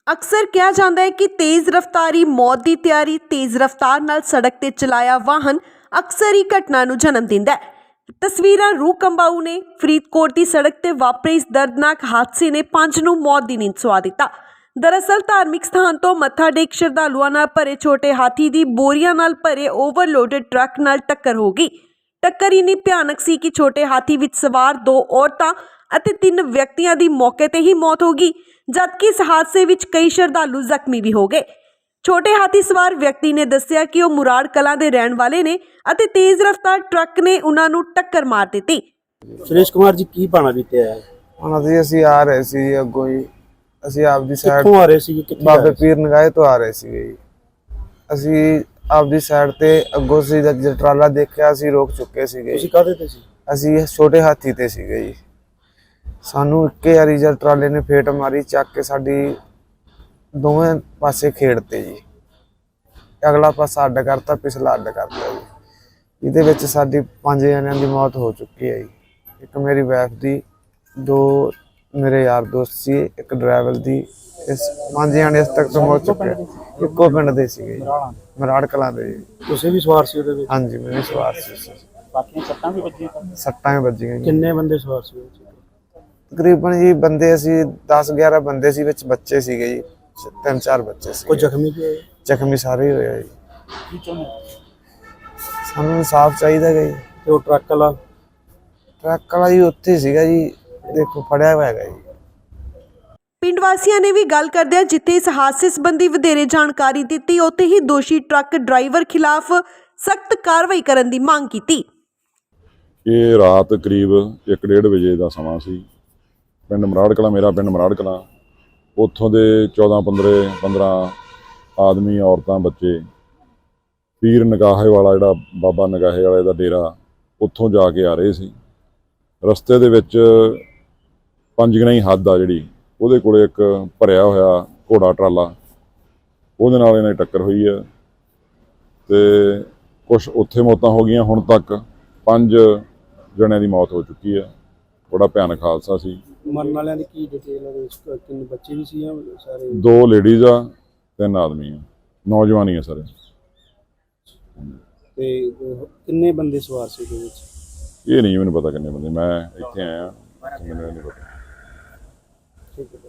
ਅਕਸਰ ਕਿਹਾ ਜਾਂਦਾ ਹੈ ਕਿ ਤੇਜ਼ ਰਫ਼ਤਾਰੀ ਮੌਤ ਦੀ ਤਿਆਰੀ। ਤੇਜ਼ ਰਫ਼ਤਾਰ ਨਾਲ ਸੜਕ ਤੇ ਚਲਾਇਆ ਵਾਹਨ ਅਕਸਰ ਹੀ ਘਟਨਾ ਨੂੰ ਜਨਮ ਦਿੰਦਾ ਹੈ। ਤਸਵੀਰਾਂ ਰੂਹ ਕੰਬਾਊ ਨੇ। ਫਰੀਦਕੋਟ ਦੀ ਸੜਕ ਤੇ ਵਾਪਰੇ ਇਸ ਦਰਦਨਾਕ ਹਾਦਸੇ ਨੇ 5 ਨੂੰ ਮੌਤ ਦੀ ਨੀਂਦ ਸੁਆ ਦਿੱਤਾ। ਦਰਅਸਲ ਧਾਰਮਿਕ ਸਥਾਨ ਤੋਂ ਮੱਥਾ ਟੇਕ ਸ਼ਰਧਾਲੂਆਂ ਨਾਲ ਭਰੇ ਛੋਟੇ ਹਾਥੀ ਦੀ ਬੋਰੀਆਂ ਨਾਲ ਭਰੇ ਓਵਰਲੋਡਡ ਟਰੱਕ ਨਾਲ ਟੱਕਰ ਹੋ ਗਈ। ਟੱਕਰ ਇੰਨੀ ਭਿਆਨਕ ਸੀ ਕਿ ਛੋਟੇ ਹਾਥੀ ਵਿੱਚ ਸਵਾਰ 2 ਔਰਤਾਂ ਅਤੇ 3 ਵਿਅਕਤੀਆਂ ਦੀ ਮੌਕੇ ਤੇ ਹੀ ਮੌਤ ਹੋ ਗਈ, ਜਦਕਿ ਇਸ ਹਾਦਸੇ ਵਿੱਚ ਕਈ ਸ਼ਰਧਾਲੂ ਜ਼ਖਮੀ ਵੀ ਹੋ ਗਏ। ਛੋਟੇ ਹਾਥੀ ਸਵਾਰ ਵਿਅਕਤੀ ਨੇ ਦੱਸਿਆ ਕਿ ਉਹ ਮੁਰਾੜ ਕਲਾਂ ਦੇ ਰਹਿਣ ਵਾਲੇ ਨੇ ਅਤੇ ਤੇਜ਼ ਰਫ਼ਤਾਰ ਟਰੱਕ ਨੇ ਉਹਨਾਂ ਨੂੰ ਟੱਕਰ ਮਾਰ ਦਿੱਤੀ। ਸੁਰੇਸ਼ ਕੁਮਾਰ ਜੀ ਕੀ ਪਾਣਾ ਬੀਤਿਆ ਹੈ? ਹੁਣ ਅਸੀਂ ਆ ਰਹੇ ਸੀ ਅੱਗੋਂ ਹੀ। ਅਸੀਂ ਆਪਦੀ ਸਾਈਡ ਕਿੱਥੋਂ ਆ ਰਹੇ ਸੀ? ਕਿੱਥੇ ਬਾਬੇ ਪੀਰ ਨਗਾਹੇ ਤੋਂ ਆ ਰਹੇ ਸੀ। ਅਸੀਂ ਆਪਦੀ ਸਾਈਡ ਤੇ ਅੱਗੋਂ ਸੀ ਜਦ ਟਰਾਲਾ ਦੇਖਿਆ ਅਸੀਂ ਰੋਕ ਚੁੱਕੇ ਸੀਗੇ। ਤੁਸੀਂ ਕਾਹਦੇ ਤੇ ਸੀ? ਅਸੀਂ ਛੋਟੇ ਹਾਥੀ ਤੇ ਸੀਗੇ ਜੀ। ਸਾਨੂੰ ਇੱਕੇ ਵਾਰੀ ਜਦ ਟਰਾਲੇ ਨੇ ਫੇਟ ਮਾਰੀ, ਚੱਕ ਕੇ ਸਾਡੀ ਦੋਵੇਂ ਪਾਸੇ ਖੇਡਤੇ ਜੀ। ਅਗਲਾ ਪਾਸਾ ਅੱਡ ਕਰਤਾ, ਪਿਛਲਾ ਅੱਡ ਕਰਤਾ ਜੀ। ਇਹਦੇ ਵਿੱਚ ਸਾਡੀ 5 ਜਣਿਆਂ ਦੀ ਮੌਤ ਹੋ ਚੁੱਕੀ ਹੈ ਜੀ। ਇੱਕ ਮੇਰੀ ਵਾਈਫ ਦੀ, 2 ਮੇਰੇ ਯਾਰ ਦੋਸਤ ਸੀ, ਇੱਕ ਡਰਾਈਵਰ ਦੀ। ਇਸ 5 ਜਣੇ ਇਸ ਤੱਕ ਤੋਂ ਮੌਤ ਚੁੱਕੇ। ਇੱਕੋ ਪਿੰਡ ਦੇ ਸੀਗੇ ਜੀ, ਮਰਾੜ ਕਲਾਂ ਦੇ ਜੀ। ਤੁਸੀਂ ਵੀ ਸਵਾਰ ਸੀ ਉਹਦੇ ਵਿੱਚ? ਹਾਂਜੀ, ਮੈਂ ਵੀ ਸਵਾਰ ਸੀ। ਬਾਕੀਆਂ ਸੱਟਾਂ ਵੀ ਵੱਜੀਆਂ? ਸੱਟਾਂ ਵੀ ਵੱਜੀਆਂ ਜੀ। ਕਿੰਨੇ ਬੰਦੇ ਸਵਾਰ ਸੀ? ਤਕਰੀਬਨ ਜੀ ਬੰਦੇ ਅਸੀਂ 10-11 ਬੰਦੇ ਸੀ, ਵਿੱਚ ਬੱਚੇ ਸੀਗੇ ਜੀ, 3-4 ਬੱਚੇ ਸੀ। ਕੋਈ ਜ਼ਖਮੀ ਵੀ ਹੋਏ? ਜ਼ਖਮੀ ਸਾਰੇ ਹੀ ਹੋਏ ਜੀ। ਕੀ ਚਾਹੁੰਦੇ? ਸਾਨੂੰ ਇਨਸਾਫ ਚਾਹੀਦਾ ਜੀ। ਤੇ ਉਹ ਟਰੱਕ ਵਾਲਾ ਜੀ ਉੱਥੇ ਸੀਗਾ ਜੀ, ਦੇਖੋ ਫੜਿਆ ਹੋਇਆ ਹੈਗਾ ਜੀ। ਪਿੰਡ ਵਾਸੀਆਂ ਨੇ ਵੀ ਗੱਲ ਕਰਦਿਆਂ ਜਿੱਥੇ ਇਸ ਹਾਦਸੇ ਸੰਬੰਧੀ ਵਧੇਰੇ ਜਾਣਕਾਰੀ ਦਿੱਤੀ, ਉੱਥੇ ਹੀ ਦੋਸ਼ੀ ਟਰੱਕ ਡਰਾਈਵਰ ਖਿਲਾਫ ਸਖਤ ਕਾਰਵਾਈ ਕਰਨ ਦੀ ਮੰਗ ਕੀਤੀ। ਇਹ ਰਾਤ ਕਰੀਬ 1-1:30 ਵਜੇ ਦਾ ਸਮਾਂ ਸੀ। ਪਿੰਡ ਮਰਾੜ ਕਲਾਂ, ਮੇਰਾ ਪਿੰਡ ਮਰਾੜ ਕਲਾਂ, ਉੱਥੋਂ ਦੇ 14-15 ਆਦਮੀ, ਔਰਤਾਂ, ਬੱਚੇ ਪੀਰ ਨਗਾਹੇ ਵਾਲਾ, ਜਿਹੜਾ ਬਾਬਾ ਨਗਾਹੇ ਵਾਲੇ ਦਾ ਡੇਰਾ, ਉੱਥੋਂ ਜਾ ਕੇ ਆ ਰਹੇ ਸੀ। ਰਸਤੇ ਦੇ ਵਿੱਚ ਪੰਜਗਣਾਈ ਹੱਦ ਆ ਜਿਹੜੀ, ਉਹਦੇ ਕੋਲੇ ਇੱਕ ਭਰਿਆ ਹੋਇਆ ਘੋੜਾ ਟਰਾਲਾ, ਉਹਦੇ ਨਾਲ ਇਹਨਾਂ ਦੀ ਟੱਕਰ ਹੋਈ ਹੈ ਤੇ ਕੁਛ ਉੱਥੇ ਮੌਤਾਂ ਹੋ ਗਈਆਂ। ਹੁਣ ਤੱਕ 5 ਜਣਿਆਂ ਦੀ ਮੌਤ ਹੋ ਚੁੱਕੀ ਹੈ। ਬੜਾ ਭਿਆਨਕ ਹਾਦਸਾ ਸੀ। ਮਰਨ ਵਾਲਿਆਂ ਦੀ ਕੀ ਡਿਟੇਲ ਹੈ? ਕਿੰਨੇ ਬੱਚੇ ਵੀ ਸੀ ਜਾਂ ਸਾਰੇ? 2 ਲੇਡੀਜ਼ ਆ, 3 ਆਦਮੀ ਆ, ਨੌਜਵਾਨ ਹੀ ਆ ਸਾਰੇ। ਤੇ ਕਿੰਨੇ ਬੰਦੇ ਸਵਾਰ ਸੀ ਉਹਦੇ ਵਿੱਚ? ਇਹ ਨਹੀਂ ਮੈਨੂੰ ਪਤਾ ਕਿੰਨੇ ਬੰਦੇ, ਮੈਂ ਇੱਥੇ ਆਇਆ, ਮੈਨੂੰ ਨਹੀਂ ਪਤਾ। ਠੀਕ ਹੈ।